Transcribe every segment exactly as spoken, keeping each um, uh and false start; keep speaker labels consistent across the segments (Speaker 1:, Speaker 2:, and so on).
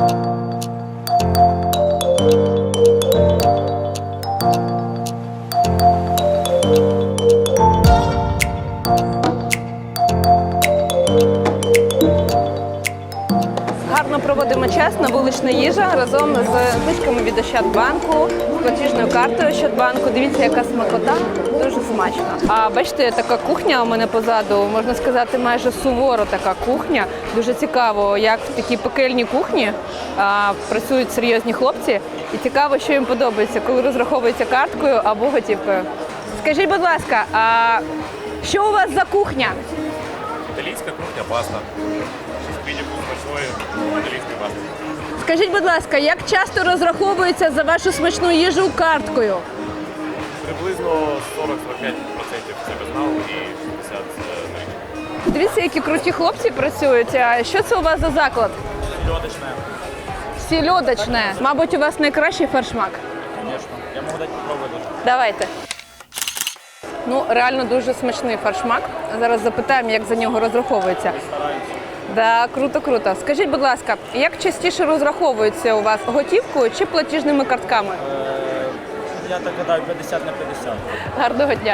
Speaker 1: Гарно проводимо час на вулична їжа разом з знижками від Ощадбанку, з платіжною картою Ощадбанку. Дивіться, яка смакота, дуже смачно. А бачите, така кухня у мене позаду, можна сказати, майже суворо така кухня. Дуже цікаво, як в такій пекельній кухні а, працюють серйозні хлопці. І цікаво, що їм подобається, коли розраховується карткою або готівкою. Скажіть, будь ласка, а що у вас за кухня?
Speaker 2: Італійська кухня, паста. Шість смачної італійської пасти.
Speaker 1: Скажіть, будь ласка, як часто розраховується за вашу смачну їжу карткою?
Speaker 2: Приблизно сорок-сорок п'ять відсотків це безнал і шістдесят відсотків налічка.
Speaker 1: Дивіться, які круті хлопці працюють. А що це у вас за заклад?
Speaker 2: Льодочне.
Speaker 1: Сільодочне. Мабуть, у вас найкращий фаршмак.
Speaker 2: Звісно. Я можу дати попробувати.
Speaker 1: Давайте. Ну, реально дуже смачний фаршмак. Зараз запитаємо, як за нього розраховується.
Speaker 2: Стараємося.
Speaker 1: Да, круто, круто. Скажіть, будь ласка, як частіше розраховується у вас готівкою чи платіжними картками?
Speaker 3: Я так гадаю, п'ятдесят на п'ятдесят.
Speaker 1: Гарного дня.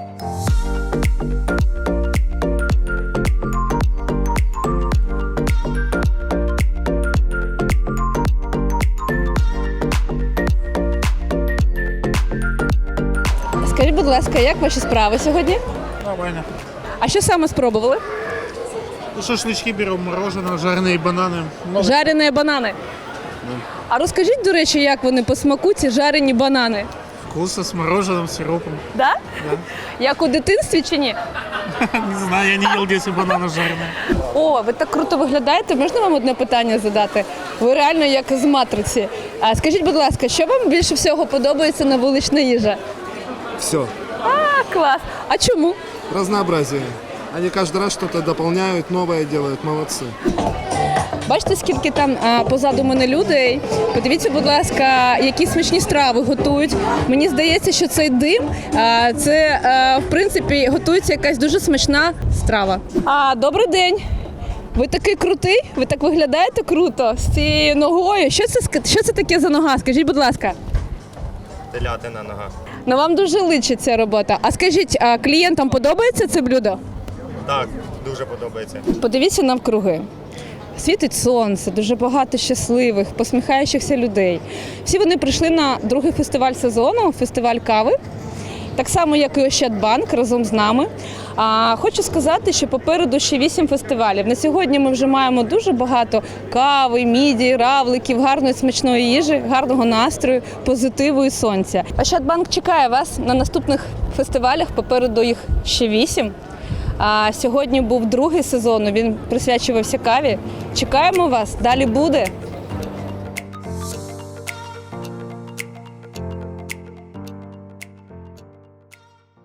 Speaker 1: Скажіть, будь ласка, як ваші справи сьогодні?
Speaker 4: Нормально.
Speaker 1: А що саме спробували?
Speaker 4: Ну, шашлычки берем, мороженое, жареные бананы. Много.
Speaker 1: Жарені банани. А розкажіть, до речі, як вони по смаку, ці жарені банани?
Speaker 4: Вкусно, с мороженым, сиропом.
Speaker 1: Да?
Speaker 4: Да.
Speaker 1: Як у дитинстві чи ні?
Speaker 4: Не знаю, я не ел десять бананов жареные.
Speaker 1: О, ви так круто виглядаєте. Можна вам одне питання задати? Ви реально як з матриці. А скажіть, будь ласка, що вам більше всього подобається на вулична їжа?
Speaker 5: Все.
Speaker 1: А, клас. А чому?
Speaker 5: Разнообразие. Они каждый раз что-то дополняют, новое делают. Молодцы.
Speaker 1: Бачите, скільки там а, позаду мене людей? Подивіться, будь ласка, які смачні страви готують. Мені здається, що цей дим, а, це, а, в принципі, готується якась дуже смачна страва. А, добрий день. Ви такий крутий? Ви так виглядаєте круто з цією ногою. Що це, що це таке за нога? Скажіть, будь ласка.
Speaker 2: Телятина нога.
Speaker 1: Ну, вам дуже личить ця робота. А скажіть, а клієнтам подобається це блюдо?
Speaker 2: Так, дуже подобається.
Speaker 1: Подивіться навкруги. Світить сонце, дуже багато щасливих, посміхаючихся людей. Всі вони прийшли на другий фестиваль сезону, фестиваль кави. Так само, як і Ощадбанк разом з нами. А, хочу сказати, що попереду ще вісім фестивалів. На сьогодні ми вже маємо дуже багато кави, мідій, равликів, гарної смачної їжі, гарного настрою, позитиву і сонця. Ощадбанк чекає вас на наступних фестивалях, попереду їх ще вісім. А сьогодні був другий сезон, він присвячувався каві. Чекаємо вас, далі буде.